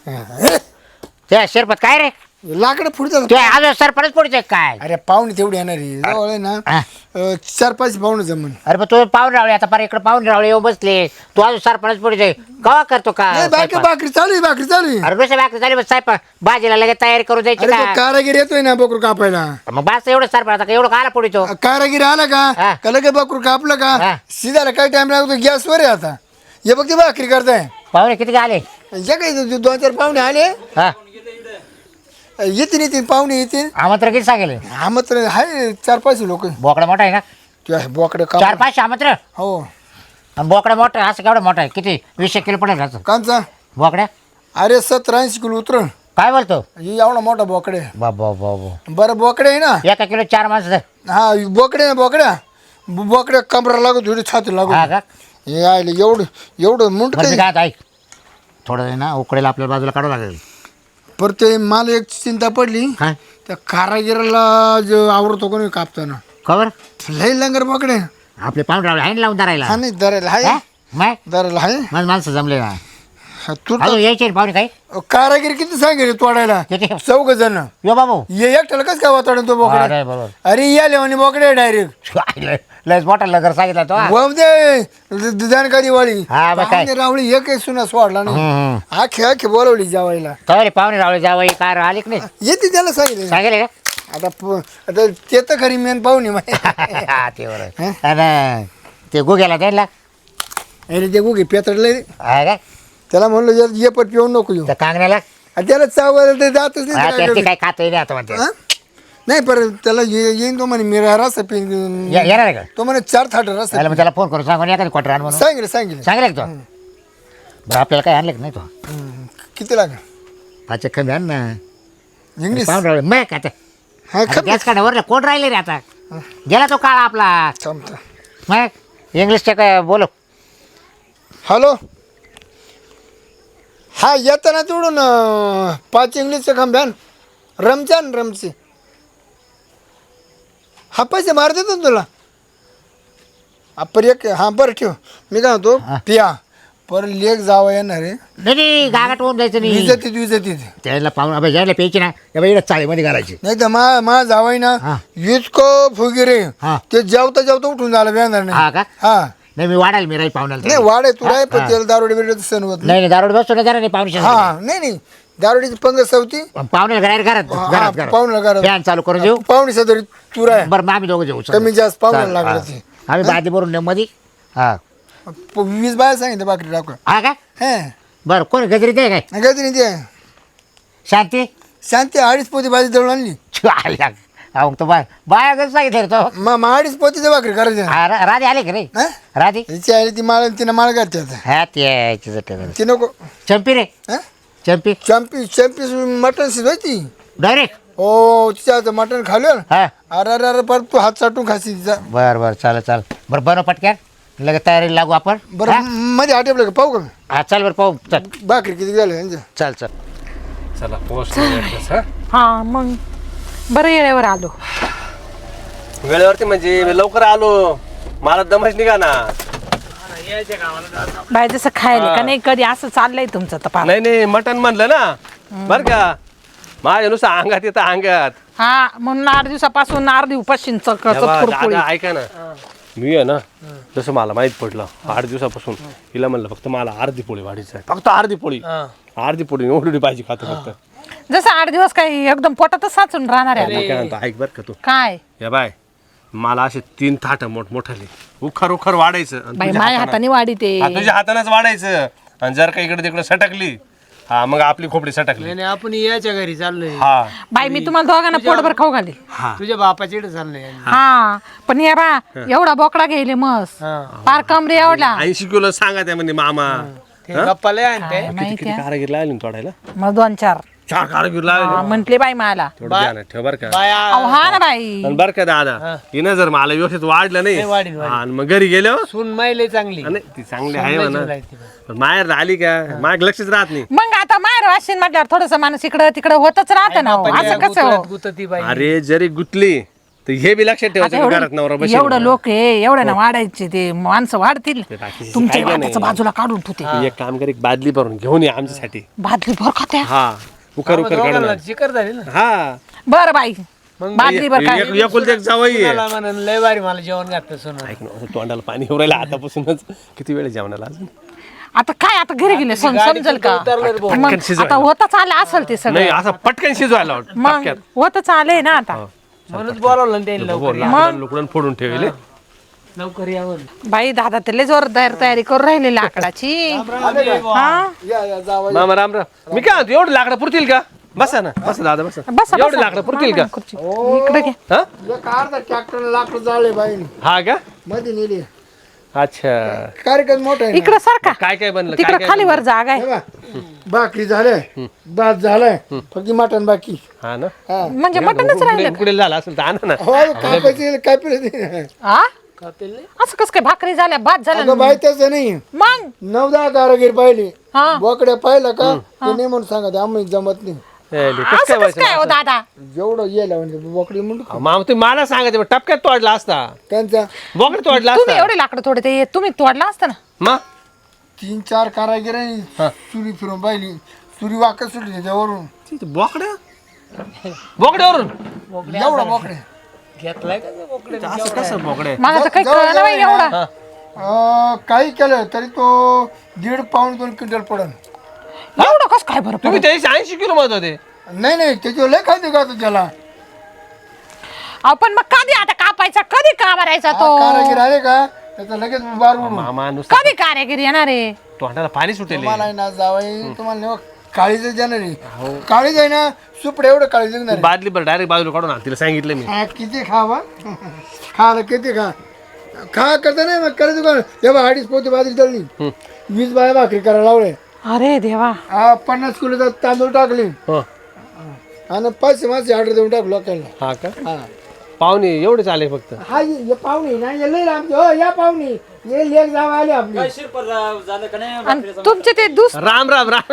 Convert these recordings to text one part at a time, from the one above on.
ते शिरपत काय रे लाकडं फुटतात. ते आज सरपंच पुढचे काय अरे पाहुणे तेवढी येणार आहे जवळ आहे ना. हा. 4-5 पाहुणे जमून. अरे पण तू पाहून रावळे आता पर इकडे पाहून रावळे येऊ बसले तू आज सरपंच पुढचे कवा करतो का नाही बाकी भाकरी चालू आहे, भाकरी चालू आहे. अरे दुसऱ्या बाकी झाली साहेब भाजीला लगेच तयारी करू द्यायची अरे का तो कारागीर येतोय ना बकरू कापायला. मग बस एवढं सरपंच आता एवढं काला पुढे तो कारागीर आला का हा. का लगे बकरू कापलं हा. का सीधा काय टाइम लागतो गॅसवर आहे आता. हे बघ ते भाकरी करताय. पाहुणे किती आले जे काही 2-4 पाहुणे आले हा येतील पाहुणे येतील. आमंत्रण किती सांगेल आमंत्रण आहे 4-5 लोक. बोकडा मोठा आहे ना बोकडे 4-5 आमंत्रण हो. आणि बोकडा मोठा आहे, असं केवढा मोठा आहे किती 20 किलो पडेल असं कांचा बोकड्या अरे 70-80 किलो उतरण. काय बोलतो एवढा मोठा बोकडे. बाबा बाबा बरं बोकडे आहे ना. 1 किलो 4 माणसं हा बोकडे ना बोकड्या कमरा लागत थोडी छाती लागत. हा का हे आले एवढं मुंड बरं मी काय आता ऐक थोडं आहे ना उकडेला आपल्या बाजूला काढावं लागेल पर ते मला एक चिंता पडली काय त्या कारागिराला जो आवडतो कोणी कापताना खबर लय लंगर बोकडे. आपले पाहुणे रावळे आहे ना लावून धरायला हा नाही दरायला हा? आहे मग दरायला आहे. माझं माणसं जमले ना हा, तू अजून यायचे रे पाहुणे काही कारागीर किती सांगेल तोडायला किती 4 जण. यो बाबू ये एकट्याला कसं काय वातावरण तो बोकडे. अरे बरोबर अरे या लेवानी बोकडे डायरेक्ट लयच मोठा लगर सांगितला तो हा. दे जानकारी वाळी. हा, मग काय? पाहुणे रावळी एक सुना सोडला नाही. हम्म. आखे बोलवली जेवायला. काय रे पाहुणे रावळे जावई कार आले की नाही येते त्याला सांगितलं. सांगेल का आता ते तर खरी मेन पाहुणे माहिती. हा, ते बरोबर आणि ते गुग्याला द्यायला अरे ते गुगे पेतडले हा काय त्याला म्हणलं ये पट पिऊन नको येऊ. त्या कांगण्याला आणि त्याला चावायला ते जातच हा, नाही. ते काय काय खात नाही आता म्हणते हा? नाही पर त्याला येईन तो म्हणे मिरा रस पिऊन. येणार आहे का तो म्हणे 4 थाट रस त्याला मग त्याला फोन करून सांगून एखादी क्वार्टर आण म्हणून सांगितलं. सांगेल का तो बरं आपल्याला काय आणलं का नाही तो किती लागेल पाच कमी आण ना इंग्लिश. पाहुणे रावळे मग आता हा गॅस काढा कोण राहिले रे आता गेला तो काळा आपला थांबता. मग इंग्लिशच्या काय बोलो हॅलो हा येताना तिकडून 5 इंग्लिशचं खांब्यान रमचे हा पैसे मार देतो ना तुला. पर एक हा बरं ठेव मी काय म्हणतो पिया पर लेक जावं येणार आहे. नाही गागाट होऊन जायचं नाही विजतीत त्याला पाहून अभ्यास घ्यायला प्यायची ना एवढ्या चाळीमध्ये घालायची नाही तर मा जावाय ना हा. इतकं फुगीरे हा. ते जेवता उठून झालं येणार हा नाही. का हा नाही मी वाढायला मी राही पाहुण्याला नाही वाढ आहे तू आहे पण त्याला दारोडे बिरोड सण होत नाही. नाही दारोड बसतो ना जरा नाही पाहुणे हा नाही दारोडीची पंगत सवती पाहुण्याला घरात पाहुण्याला घरात फॅन चालू करून देऊ पाहुणे सदरी तू राय बरं मग आम्ही दोघं जेऊ कमी जास्त पाहुण्याला चालेल, लागलं हा. ते. आम्ही बादी भरून मध्ये हा 20 बाया सांगितलं बाकरी टाकू. हा का हे बरं कोण गजरी ते काय गजनी ते शांती शांती 2.5 पोती भाजी दळून आणली. आल्या अहो तो बाया कसं सांगितलं तो 2.5 पोतीचं भाकरी करायची. हा, राधे आले का रे हा? राधे हिची आली ती माळ तिनं माळ घालते आता. हा ते ती नको चंपी रे हा? चंपी चॅम्पी मटण शिजवायची. डायरेक्ट हो तिच्या हातं मटण खाल्लं. हा अरे परत तू हात चाटून खाशी तिचा. बरं चालेल बरं बनव पटक्यान लगेच तयारीला लागू आपण बरं मध्ये आटेपलं का पाहू का हा चल बरं पाहू चल भाकरी किती झालं यांच्या. चल चला पोस्ट हा मग बरं येळेवर आलो. वेळेवरती म्हणजे लवकर आलो मला दमच निघा ना. बाय जसं खायला का नाही कधी असं चाललंय तुमचं तर फार. नाही मटण म्हणलं ना बर का माझ्या नुसतं अंगात येतं अंगात. हा म्हणून 8 दिवसापासून अर्धी उपाशीन कुरकुळी. ऐका ना मी आहे ना जसं मला माहित पडलं 8 दिवसापासून हिला म्हणलं फक्त मला अर्धी पोळी वाढीची आहे फक्त अर्धी पोळी एवढी पाहिजे खातं फक्त. जसं 8 दिवस काही एकदम पोटातच साचून राहणार आहे. मग काय म्हणतो ऐक बर का तू काय या बाय मला असे 3 थाट मोठमोठाले उखर वाढायचं आणि बाई तुझ्या माझ्या हातानं- हाताने वाढी ते. हा, तुझ्या हातानेच वाढायचं आणि जर का इकडे तिकडे सटकली हा मग आपली खोपडी सटकली. नाही आपण याच्या घरी चाललोय. हा बाई मी तुम्हाला दोघांना पोटभर खाऊ घाली. तुझ्या बापाच्या इकडे चाललोय. हा पण या बा एवढा बोकडा घ्यायले मस पार कमरे एवढा 80 किलो सांगा त्या म्हणजे मामा ते गप्पा लय आणते. माहिती किती कारागीर लागले ना तोडायला मग 2-4 4 कारागीर लागले म्हंटले बाई मला. थोडं ध्यानात ठेव बर का बाया अहो हा ना बाई आणि बर का दादा हिनं जर मला व्यवस्थित वाढलं नाही वाढील, आणि मग घरी गेलो सून माहिले चांगली. नाही ती चांगली आहे म्हणा जीव लावते. पण माहेर आली का माग लक्षच राहत नाही. मग आता माहेर वाशीन म्हटल्यावर थोडस माणूस इकडं तिकडं होतच राहतं ना हो. असं कसं हो? गुतती बाई. अरे जरी गुतली तर हे बी लक्षात ठेवायचं की घरात नवरा बसेल एवढं लोक आहे एवढं ना वाढायचे ते माणसं वाढतील बाकीचे तुमच्या काय हाताचं बाजूला काढून ठेवते तू एक काम कर, एक बादली भरून घेऊन ये आमच्यासाठी. भादली भर खात्या हा उकर उकर काढून दोघांना चिकर झाली ना हा बर बाई भादली भर काय एकुलते एक जावई आहे. मला म्हणून लय भारी मला जेवण घातलं सोनं. ऐक ना, असं तोंडाला पाणी येऊ राहिलं आतापासूनच. किती वेळ जेवणाला अजून? आता काय आता घरी गेले समजेल का मग आता होतच आलं असेल ते सगळं नाही असं पटकन शिजवायला लावत. मग होतच आलंय ना आता म्हणून बोलावलं ना त्यांनी लवकर लुकडून फोडून ठेवले. लवकर यावं. बाई दादा त्याला जोरदार तयारी करून राहिली लाकडाची हा या जावं मामा राम राम. मी काय म्हणतो, एवढं लाकडं पुरतील का? बसा ना, बसा दादा बसा. बसा एवढे लाकडं पुरतील का? खुर्ची. इकडे घे हा एक अर्धा ट्रॅक्टर लाकडं जाळले बाईने हा का? मध्ये नेली अच्छा कार्यक्रम मोठा आहे इकडे सारखा काय काय बनलं? तिकडे खालीवर जागा आहे ना. भाकरी झालंय भात झालाय फक्त मटण बाकी हा ना, हा म्हणजे मटणच राहिलं का? उकडेल झाला असेल तर आणा ना. हो कापायचे काय पिलं आ? असं कस काय भाकरी झाल्या भात झाल्या अगं बाई तसं नाही मग 9-10 कारागीर पाहिले हा बोकड्या पाहिलं का ते नाही म्हणून सांगा आम्ही जमत नाही ए, कसं काय असं कस व्हायचं? काय हो दादा जेवढं येलं म्हणजे बोकडी म्हणून मामा तुम्ही मला सांगायचं टपक्यात तोडला असता, त्यांचा बोकड तोडला तुम्ही असता एवढे लाकडं थोडे ते तुम्ही तोडला असता ना मग 3-4 कारागिरांनी चुरी फिरून पाहिली चुरी वाकत सुटली त्याच्यावरून बोकड्या बोकड्यावरून एवढा बोकड्या घेतलाय का ते बोकडे? असं कसं बोकड्या? मला तर काही कळलं नाही एवढा काही केलं तरी तो 1.5 पाऊण 2 क्विंटल पडन एवढं कस काय बरं तुम्ही 80 किलो म्हणत होते. नाही त्याच्यावर लय खायचं का त्याला आपण मग कधी आता कापायचा कधी का भरायचा तो कारागीर आले का त्याचा लगेच बार उडून मामा नुसतं कधी कारागिरी येणार आहे तोंडाला पाणी सुटेल. तुम्हाला आहे ना जावई तुम्हाला नाही काळीच जाणार आहे काळीच आहे ना सुपडे एवढं काळी जगणार बादली बरं डायरेक्ट बाजूला काढून आण, तिला सांगितलं मी. किती खावा खाला किती खा करता नाही मग करायचं का तेव्हा 2.5 पोती बाजरी तळली 20 बाया भाकरी करायला लावले अरे देवा 50 किलो तांदूळ टाकले हो. आणि 500 मासे ऑर्डर देऊन टाकलो लोकांना हा का? हा पाहुणे एवढे चाले फक्त. हा ये पाहुणे ना ये लय आमचे हो या पाहुणे ये लेक जाव आले आपली आणि तुमचे ते राम राम राम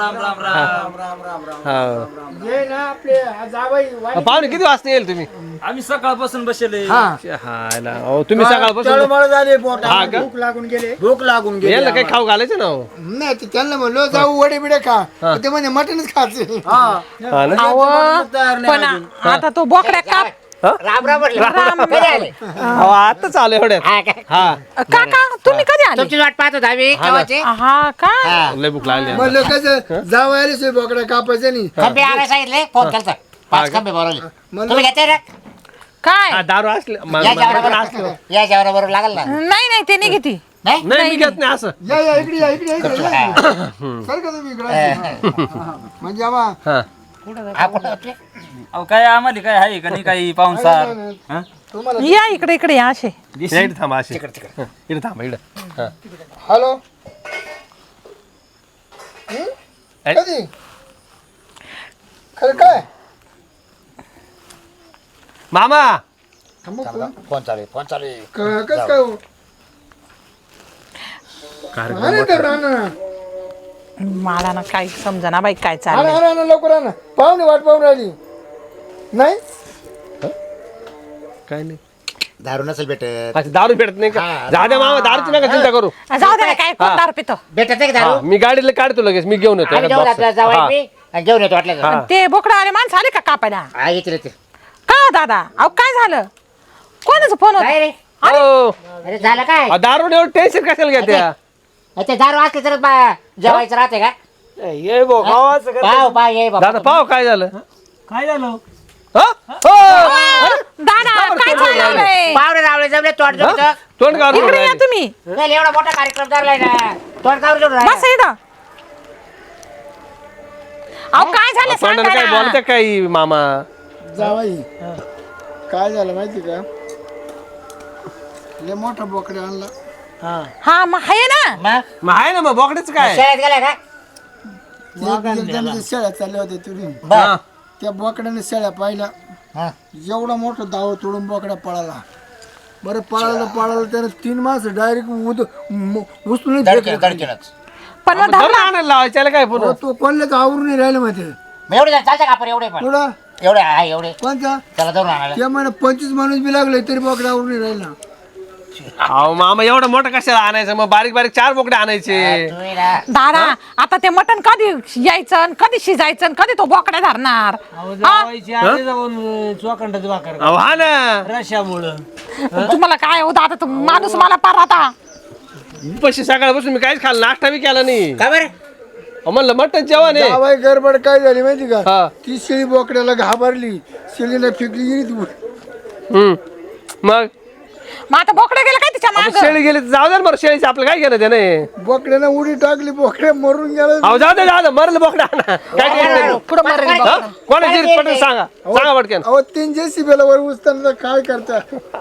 राम. हा. ये ना आपले जावई पाहुणे किती वाजता येईल तुम्ही? आम्ही सकाळपासून बसले. हा हायला अहो, तुम्ही सकाळपासून तळमळ झाले हा का? भूक लागून गेले यायला काही खाऊ घालायचं ना हो. नाही ते त्यांना म्हणलो जाऊ वडे बिडे खा ते म्हणजे मटनच खायचे हा ना? पण आता तो बोकड्या काप राम राम म्हटलं कधी आले? अहो, आता चालू एवढ्यात. हा काय? हा काका तुम्ही कधी आले तुमची वाट पाहत होता आम्ही केव्हाची. हा का लय भूक लागली आता. म्हणलं कसं जाऊ आले सोय बोकडा कापायचं नाही खंबे आणायला सांगितले फोन केलता 5 खंबे बोलवले तुम्ही घेताय ना काय हा, दारू असले या जेवणाबरोबर या जेवणाबरोबर लागल ना नाही नाही ते नाही घेते नाही नाही मी घेत नाही असं. या इकडे या सर का तुम्ही इकडे म्हणजे आम्हा हा हा कुठं होते? अहो काय आम्हाला काय आहे का नाही काही पाहुणसार हा? तुम्हाला या इकडे या असे या इकडे थांबा अशी. इकडे थांबा इकडे. हा. हॅलो ऐ- कधी खरं काय मामा फोन चालू आहे कसं काय हो? अरे तर राहणार मला ना काही समजा बाई काय आणा चाललंय आणा आणा लवकर आणा पाहुणे वाट पाहून राहिली नाही काय नाही. दारू नसेल भेटत अच्छा दारू भेटत नाही का? जा द्या मामा, दारूची नका चिंता करू. जाऊ दे ना, काय कोण दारू पितो भेटत नाही का हा, दारू मी गाडीला काढतो लगेच, मी घेऊन येतो आम्ही एखाद जाऊ box. आपल्याला जाऊ हा. मी आणि घेऊन येतो वाटलं तर. हा. ते बोकडा आले माणसं आले का कापायला हा येतील येतील. का हो दादा अहो काय झालं कोणाचा फोन होता काय रे हो. अरे झालं काय अहो, दारू एवढं टेन्शन कशाला घेत्या? अच्छा दारू असली तर जेवायचं राहते का ये बो गावाचं का? पाव पाव ये बाबा दादा पाव काय झालं? काय झालं? हा? हो. दादा काय चाललंय पावडे रावळे जमले तोंड जमतं तोंड काढून इकडे या राहिली. तुम्ही नाही, एवढा मोठा कार्यक्रम धरलाय ना तोंड कावर जोडून बस इथं अहो काय झालं तोंडाने सांगा काय ना. बोलत्या काय मामा? जावाई काय झालं माहिती का लय मोठा बोकडा आणला हा मग आहे ना मग मग आहे ना मग बोकड्याचं काय? शाळेत गेलाय का एकदम ते शेळ्या चालल्या होत्या तुरी बर त्या बोकड्याने शेळ्या पाहिल्या हा. एवढा मोठा दाव तोडून बोकडा पळाला बरं पळाला त्याने 3 मास डायरेक्ट उचलून फेकले. दडकेनच पण मग धरून आणायला लावायचं, याला काय पुन्हा? तो कोणल्याच आवरून नाही राहिलं माहिती मग एवढे जण चालतं का आपण एवढे पण पुढं एवढे आहे एवढे कोणता त्याला धरून आणायला त्या म्हणा 25 माणूस बी लागले तरी बोकडावर नाही राहिला. अहो मामा एवढं मोठं कशाला आणायचं मग बारीक बारीक 4 बोकडे आणायचे. तुम्ही ना दादा आता ते मटण कधी यायचं आणि कधी शिजायचं आणि कधी तो बोकडा धरणार अहो जावायची आधी जाऊन चोखंडाचं भाकर अहो हा ना रश्यामुळं तुम्हाला काय होतं आता माणूस मला पार आता पैसे सकाळपासून मी काहीच खाल्लं नाश्ता बी केला नाही. का बरं अहो, म्हणलं मटण जेवण आहे. जावाई गडबड काय झाली माहिती का हा. ती शेळी बोकड्याला घाबरली शेळीला फेकली गेली ती. मग मग आता बोकडा गेला काय तिच्या आपण माग शेळी गेली तर जाऊ दे ना बरं शेळीचं आपलं काय घेणं त्याने. बोकड्यानं उडी टाकली बोकड्या मरून गेला. अहो जाऊ दे मरलं बोकडा आणा. काय टेन्शन पुढं मरेल नाही. बोकडा. हा? कोणाची पटकन सांगा पटकन. अहो 3 JCB वर उचताना काय करता.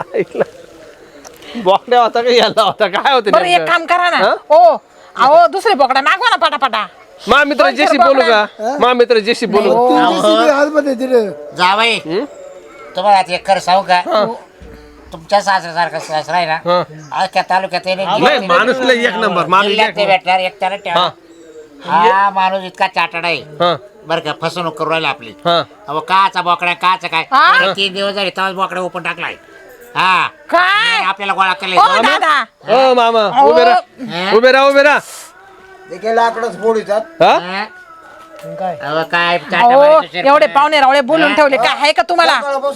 बोकड्या होता का याला होता काय होतं बरं एक काम करा ना ओ अहो दुसरे बोकडा मागवा ना पटापटा मा मित्र जेशी बोलू का मा मित्र जेशी बोलू. 3 JCB हातमध्ये दिले. जावाई तुम्हाला आता एक कर सांगू का तुमच्या सासऱ्यासारखा सासरा आहे ना अख्ख्या तालुक्यात नाही माणूस लय एक नंबर माणूस जिल्ह्यात एक ते भेटणार एक त्याला ठेवा. हा माणूस इतका चाटड आहे हा बरं का फसवणूक करू राहिला आपली हा अहो काचा बोकडा काचा काय हा? त्याला 3 दिवस झाले तेव्हाच बोकडा ओपन टाकलाय हा काय आपल्याला गोळा ओ केला दादा ओ मामा उभे राहा लाकडच फोडीतात. हा काय काय अहो एवढे पाहुणे रावळे बोलून ठेवले काय आहे का तुम्हाला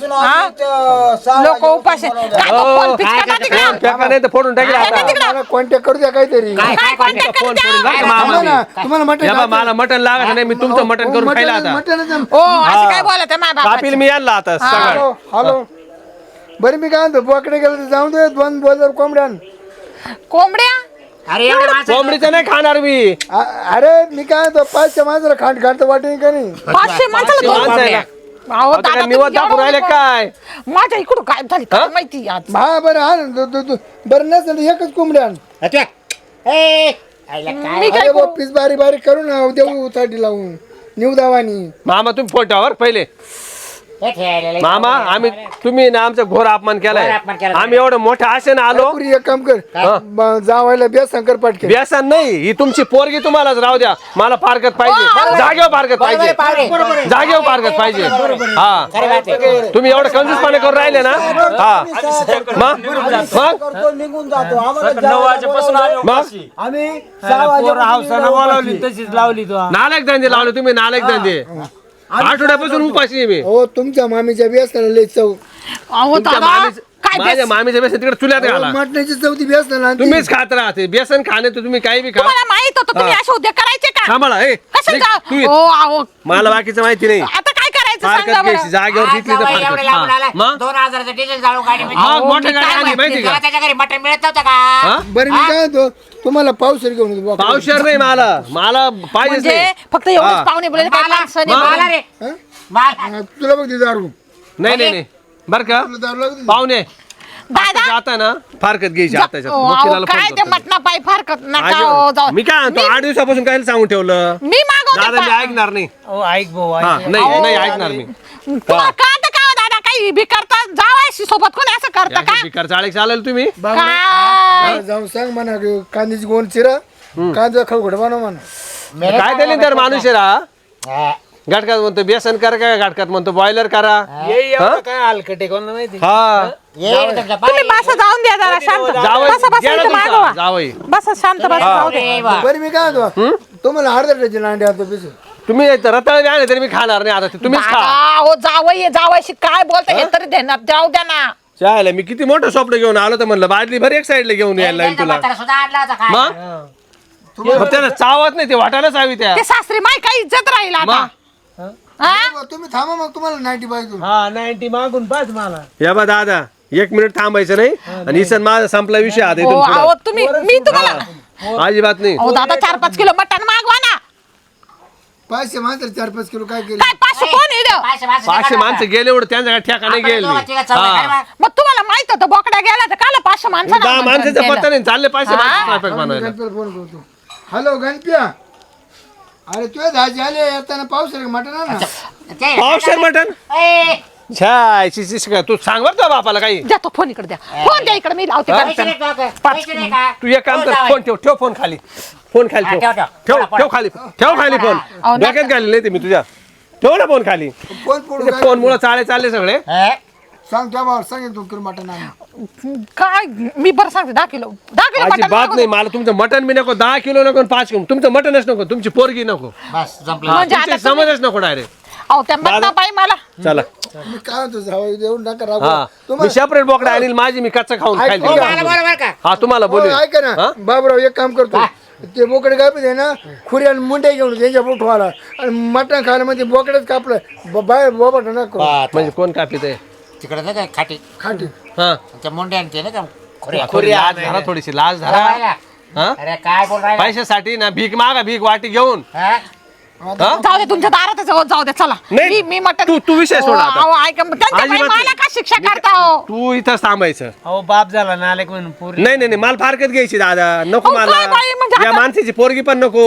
लोक उपाशी काय तो फोन फिक्स करा तिकडं. फेका नाही तर फोडून टाकेल आहे का आता. तिकडं? मला कॉन्टॅक्ट करू द्या काहीतरी. काय काय contact फोन करून करून द्या. जा मामा थांबा ना, मी. तुम्हाला मटण या बा, मला मटण लागत नाही मी तुमचं मटण करून खायला आता ओ असं काय बोलत आहे माझ्या कापील बापाची? मी यायला आता सगळं. हॅलो हॅलो बरं मी काय म्हणतो बोकडे गेलं तर जाऊन दे 2 बोलर कोंबड्यान. कोंबड्या अरे एवढे माणसं कोंबडीचं नाही खाणार मी. अरे मी काय म्हणतो 500 माणसाला खांड खांडतं वाटेल का नाही. 500 माणसाला दोन माणसं आहे ना. अहो आता काय दादा निवड तुम्ही दाखवून राहिले एवढं काय माझ्या इकडून काय झाली काय माहिती आज हा बरं हा ना बरं नसेल तर एकच कोंबड्यान. मी काय अरे बा पीस बारीक बारीक करू ना देऊ साठी लावून निव दावानी. मामा तुम्ही फोटावर पहिले मामा आम्ही तुम्ही ना आमचा घोर अपमान केलाय. घोर अपमान केला. आम्ही एवढं मोठ्या आशेने आलो. पुरी एक काम कर जावायला बे शंकर पाटके. व्यसन नाही ही तुमची पोरगी तुम्हालाच राहू द्या मला फारकत पाहिजे जागेवर फारकत पाहिजे जागेवर फारकत पाहिजे हा तुम्ही एवढं कंजूसपणे करून राहिले ना हा मग निघून जातो 9 वाजेपासून आलो मग आम्ही हावसानं बोलावली तशीच लावली तो नालायक धंदे लावले तुम्ही नालायक धंदे आठवड्यापासून उपाशी आहे मी. हो तुमच्या मामीच्या बेसनाला लय चव. अहो तुमच्या दादा मामीच- काय माझ्या मामीच्या बेसन तिकडे चुल्यात घाला मटण्याची चौथी बेसनाला आणते. तुम्हीच खात राहते बेसन खाणे तर तुम्ही काही बी खा तुम्हाला माहित होतं तुम्ही असे उद्योग करायचे का सांभाळा ए कसं निघ, तू ये. ओ अहो मला बाकीचं माहिती नाही आता काय करायचं फारकत सांगा घ्यायची बरं जागेवर तिथली तर फारकत हा. मग 2000चं डिझेल जाळून गाडी मग मोठ्या गाडी आणली माहिती का त्याच्या घरी मटण मिळत नव्हतं हा? का बरं मी काय म्हणतो तुम्हाला पावसर घेऊन येतो बोकडे. पावशेर नाही मला पाहिजेच म्हणजे नाही फक्त एवढेच पाहुणे बोलले काय माणसं नाही मला बोलले. रे हा? मला हा, तुला बघ ते दारू नाही बर का तुला दारू लागते. पाहुणे दादा आता ना फारकत घ्यायची आता ओ, अहो, काय ते मटणा पाय फारकत नका हो, जाऊ. मी काय म्हणतो 8 दिवसापासून काय सांगून ठेवलं मी मागवते दादा मी पा- ऐकणार नाही अहो ऐक भाऊ हा ऐक नाही ऐकणार मी तुम्हाला कळतं का हो दादा काही बी करता जावायशी सोबत कोणी असं करता का बिकार चाळे चालेल तुम्ही काय हा, जाऊन सांग म्हणा की कांद्याची गोण चिरा कांदा खळखोट बनव म्हणा. काय त्याने तर माणूस आहे रा घाटकात म्हणतो बेसन करा काय घाटकात म्हणतो बॉयलर करा ये एवढं काय हलकटे कोण माहिती हा तुम्ही बसा जाऊन द्या जरा शांत जावई बसा बसा गेला इथं तुमचा, मागवा जावई बसा शांत बसा जाऊ दे बरं मी काय म्हणतो तुम्हाला अर्धा डझन अंडे आणतो पिस. तुम्ही रताळ आणले तरी मी खाणार नाही आता ते तुम्हीच खा दादा, हो जावई जावायशी काय बोलता हे तरी देणार जाऊ द्या ना चालेल मी किती मोठं स्वप्न घेऊन आलो तर म्हणलं बादली भर एक साईडला घेऊन यायला लागेल तुला सुद्धा आणला होता काय मग मग त्याला चावत नाही ते वाटायलाच हवी त्या ते सासरी माय काही इज्जत राहील आता मग? हा? तुम्ही थांबा मग तुम्हाला 90 पाहिजे. हा 90 मागून पाच मला या बा दादा 1 मिनिट थांबायचं नाही आणि इसन माझा संपला विषय आता हो इथून अहो पुढं. तुम्ही मी तुम्हाला अजिबात नाही अहो दादा 4-5 किलो मटण मागवा ना 500 माणसाला 4-5 किलो काय केलं. काय 500 कोण येईल 500 माणसं गेले एवढं त्यांच्या ठेकाने गेले मग तुम्हाला माहित होतं बोकडा गेला तर काला 500 माणसांना 10 माणसाचा आमंत्रण पत्ता नाही चालले 500 माणसं स्वयंपाक मी बनवायला गणपतीला फोन करतो. हॅलो गणप्या अरे तुझ्या दाजी आले येताना पाऊस रे मटण आण ना. पावशेर मटन छाय तू सांग बरं तुझ्या बापाला काही द्या तो फोन इकडे द्या फोन द्या इकडे मी लावते तू एक काम कर फोन ठेव फोन खाली फोन खाली हा, ठेव, ठेव ठेव. ठेव ठेव खाली फोन अहो, डोक्यात घाली नाही ते मी तुझ्या ठेव ना फोन खाली. फोन फोडून काय फोन मुळे चालले सगळे. हे? सांग त्या भावाला सांगेल तू किलो मटण आणून. काय मी बरं सांगते 10 किलो मटण अजिबात नको नाही देऊ. मला तुमचं मटण बी नको 10 किलो नको 5 किलो तुमचं मटणच नको तुमची पोरगी नको बस जमलं. म्हणजे आता तुमची समजच नको डायरेक्ट. अहो त्या मटणा बाई मला चला मी काय म्हणतो जावई देऊन नका हा राहू मी तुम्हाला सेपरेट बोकडा आणील माझी मी कच्चा खाऊन खाईल हो, मला बरोबर का हा तुम्हाला बोलू हो, ऐका ना बाबराव एक काम करतो ते बोकडे कापले ना खुरी आणि मुंडे घेऊन त्यांच्या पोठवाला आणि मटण खायला म्हणजे बोकडेच कापलं बाहेर बोबट नको म्हणजे कोण कापित आहे तिकडे नाही का खाटी खाटी हा त्या मुंड्या आणते ना का खोऱ्या थोडी लाज धरा थोडीशी लाज धरा हा अरे काय बोल राहिला पैशासाठी ना भीक मागा भीक वाटी घेऊन हा? हा? जाऊ दे तुमच्या दारातच जाऊ दे चला नाही, मी मटण तू विषय सोड आता. अहो, ऐका त्यांच्या बाई अजिबात मला का शिक्षा करता हो तू इथं थांबायचं अहो बाप झाला ना आले म्हणून पोरी. नाही नाही नाही, मला फारकत घ्यायची दादा नको अहो, काय बाई, म्हणजे मला या आता- माणसाची पोरगी पण नको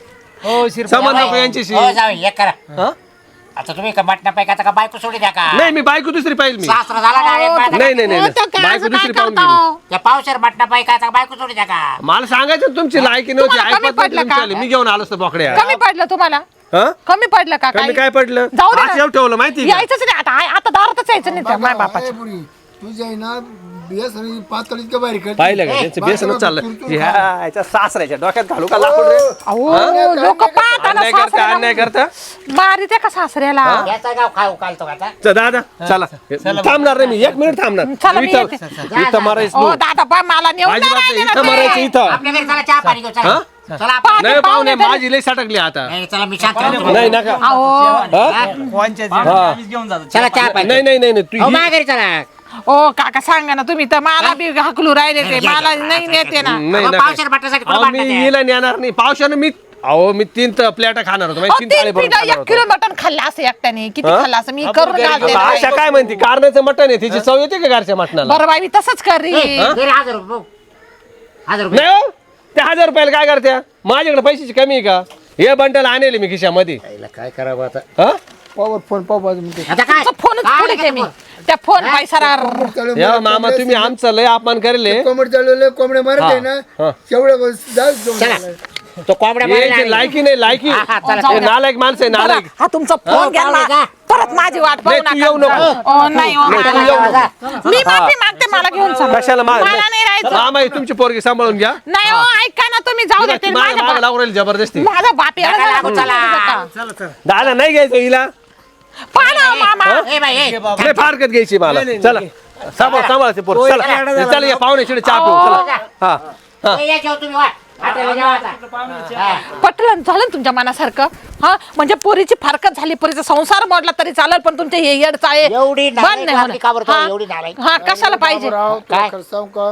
हो शिरपा समज नको यांच्याशी हो जाऊ एक करा हा? आता तुम्ही का मटणा पैका का बायको सोडी द्या का नाही मी बायको दुसरी पाहिजे मी सासरा झाला ना एक बायका. नाही नाही नाही हो, त्या नाही. काय बायको असं दुसरी काय पाहून करता गेली हो? त्या पावशेर मटणा पैका का बायको सोडी द्या का मला सांगायचं ना तुमची लायकी नव्हती तुम्हाला कमी ऐकत नव्हती पडलं का? तुमची. मी घेऊन आलो असतो बोकड्या कमी पडलं तुम्हाला हा कमी पडलं का कमी काही? काय पडलं जाऊ दे ना. आज एवढं ठेवलं माहिती का यायचंच नाही आता दारातच यायचं नाही त्या माय बापाच्या पुरी तुझ्या आहे ना बेस आणि पातळ इतकं बाहेर कर पाहिलं का त्यांचं बेसनच चाललं ह्याच्या सासऱ्याच्या डोक्यात घालू का लाकूड रे अहो लोक पाहताना अन्याय करता अन्याय करता मारी त्या का सासऱ्याला याचा गाव खाऊ कालतो का आता दादा चला थांबणार नाही मी 1 मिनिट थांबणार चला, मी इथं येते. इथं मारायचं ओ नाही. दादा पा मला नेऊन नाही अजिबात राहिले नाही, ना इथं ते. मारायचं इथं आपल्या घरी चला चहा पाणी घेऊ चला हा? चला आपण नाही पाहुणे पाहुणे माझी लई सटकली आता नाही, चला मी शांत राहतो. नाही नका अहो हा? कोणच्या आम्हीच घेऊन जातो चला चहा पाणी नाही नाही नाही नाही, तू हो ही- माझ्या घरी चला ओ काका सांगा ना तुम्ही तर मला बी हाकलू राहिले ते मला नाही नेते ना नाही अहो, नका. पावशेर मटणासाठी कुठं अहो, मी भांडणं ते? हिला नेणार नाही पावसानं मी अहो मी 3 प्लेटा खाणार होतो अहो, 3 थाळी भरून खाणार 1 होतो किलो मटण खाल्लं असं एकट्याने किती हा? खाल्लं असं मी करून घालते आता आशा काय म्हणते कारणाचं मटण आहे तिची चव येते का घरच्या मटणाला बरं बाई मी तसंच करी ए, घरी 1000 रुपये भाऊ. 1000 रुपये नाही हो ते 1000 रुपयाला काय करत्या माझ्याकडे पैशाची कमी आहे का हे बंडल आणले मी खिशामध्ये याला काय करावं आता हा पावर फोन पाव बाजू म्हणते आता काय फोनच काय पुढे लागेल मी फोन? त्या फोन पैसा या मामा तुम्ही आमचं लय अपमान करेल कोंबड चालवले कोंबड्या मारत आहे ना हा. तेवढ्या चला तो कोंबड्या मारायला यांची आली. लायकी नाही लायकी हा, हा, चला, हे नालायक माणसं आहे नालायक हा तुमचा फोन घ्या पाहुणे ना. जा. परत माझी वाट पाहू नाही, तू येऊ नका नको. ओ, नाही हो, नाही, तू मला- येऊ जा. मी माफी मागते मला घेऊन चला. कशाला मला नाही राहायचं मामा ही तुमची पोरगी सांभाळून घ्या नाही हो ऐका ना तुम्ही जाऊ देते मागे मागे लागू राहील जबरदस्ती माझा बाप येणार नका झाला लागू, तुमच्या चला. घरी. दादा नाही घ्यायचं हिला पहा ना हो, मामा ए बाई ए नाही फारकत घ्यायची मला चला सांभाळते पोर चला चला या पाहुणे चिडे चहा पिऊ चला हा हा ए, या जेव तुम्ही वा हॉटेलला जेवा आता. हा. पटलं झालं ना तुमच्या मनासारखं हा म्हणजे पोरीची फारकत झाली पोरीचा संसार मोडला तरी चालेल पण तुमचे हे येडचा आहे एवढी बंद नालायक नाही वागली का बरं तो? होणार. एवढी नालायक? हा कशाला पाहिजे राव काय? तुला सांग का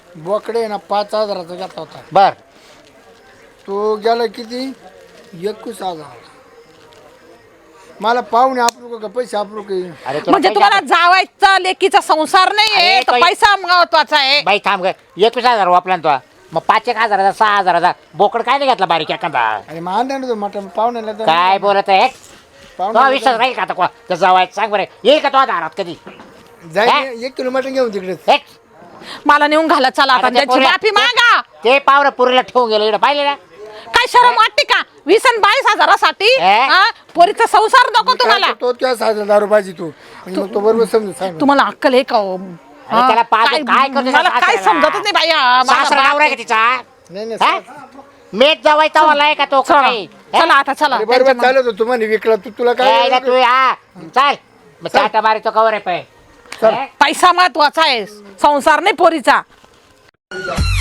बोकडे ना 5000चा घेतला होता बर तो गेला किती 21,000 मला पाहुणे आपलं का पैसे आपलं का अरे तुला म्हणजे पैसे तुम्हाला जावायचा लेकीचा संसार नाहीये अरे, तर तो- पैसा महत्वाचा आहे बाई थांब ग 21,000 वापला ना तो मग 5,000 6,000 बोकड काय नाही घेतला बारीक एखादा आणि मान तो मटण पाहुण्याला तर काय बोलत आहे तो पाहुण्याला विश्वास राहील का आता कोणा त्या जावायचं सांग बरं येईल का तो दारात कधी जाईल 1 किलो मटण घेऊन तिकडे हे? मला नेऊन घाला चला आता अरे, ते त्याची पोऱ्या- माफी मागा ते पावरं पुरीला ठेवून गेलं इकडे पाहिले ना काय शरम वाटते का 20 आणि 22,000साठी हे? पोरीचा संसार नको तुम्हाला तो त्या 6,000 रुपयाची तू म्हणजे मग तो बरोबर समजून सांग तुम्हाला अक्कल आहे का हो? अरे त्याला पाच- काय करतो त्या मला काय सासऱ्याला? समजतच नाही बाई हा, माझा सासरा बाप नवरा आहे आहे. का तिचा नाही नाही हा? मेट जावायचा वाला आहे का तो चला काही चला आता चला अरे बरोबर चालत होतो तुम्हाला विकला तुला यायला काय तू हा चाल मग चाटा मारितो कवर आहे पाय पैसा महत्वाचा आहे संसार नाही पोरीचा